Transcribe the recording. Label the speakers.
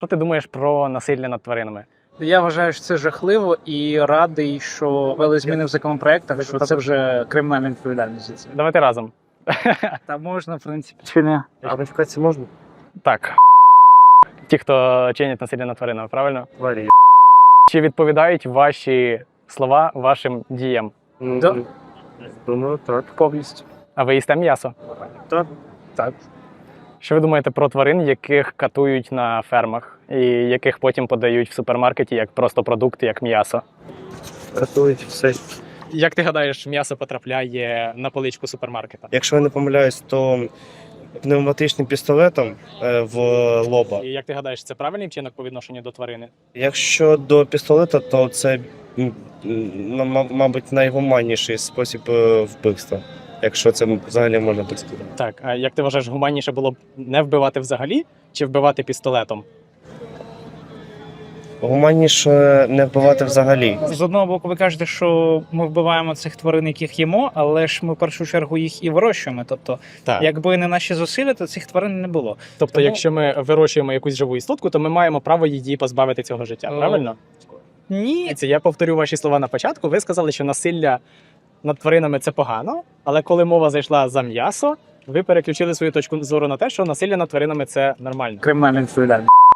Speaker 1: Що ти думаєш про насилля над тваринами?
Speaker 2: Я вважаю, що це жахливо і радий, що ввели зміни в законопроектах, що це вже кримінальна відповідальність за це.
Speaker 1: Давайте разом.
Speaker 2: Та можна, в принципі, чи не?
Speaker 3: А кваліфікації можна?
Speaker 1: Так. Ті, хто чинять насилля над тваринами, правильно?
Speaker 3: Варі.
Speaker 1: Чи відповідають ваші слова вашим діям?
Speaker 2: Да.
Speaker 3: Думаю, так.
Speaker 2: Повністю.
Speaker 1: А ви їсте м'ясо?
Speaker 3: Так.
Speaker 2: Так.
Speaker 1: Що ви думаєте про тварин, яких катують на фермах і яких потім подають в супермаркеті як просто продукти, як м'ясо?
Speaker 3: Рятують все.
Speaker 1: Як ти гадаєш, м'ясо потрапляє на поличку супермаркета?
Speaker 3: Якщо я не помиляюсь, то пневматичним пістолетом в лоба.
Speaker 1: І як ти гадаєш, це правильний вчинок по відношенню до тварини?
Speaker 3: Якщо до пістолета, то це, мабуть, найгуманніший спосіб вбивства. Якщо це взагалі можна так сказати.
Speaker 1: Так, а як ти вважаєш, гуманніше було б не вбивати взагалі чи вбивати пістолетом?
Speaker 3: Гуманніше не вбивати взагалі.
Speaker 2: З одного боку, ви кажете, що ми вбиваємо цих тварин, яких їмо, але ж ми в першу чергу їх і вирощуємо. Тобто,
Speaker 1: Так.
Speaker 2: якби не наші зусилля, то цих тварин не було.
Speaker 1: Тобто,
Speaker 2: Тому-
Speaker 1: якщо ми вирощуємо якусь живу істотку, то ми маємо право її позбавити цього життя, правильно?
Speaker 2: Ні,
Speaker 1: Це я повторю ваші слова на початку. Ви сказали, що насилля над тваринами це погано, але коли мова зайшла за м'ясо, ви переключили свою точку зору на те, що насилля над тваринами це нормально.
Speaker 2: кримінальна відповідальність.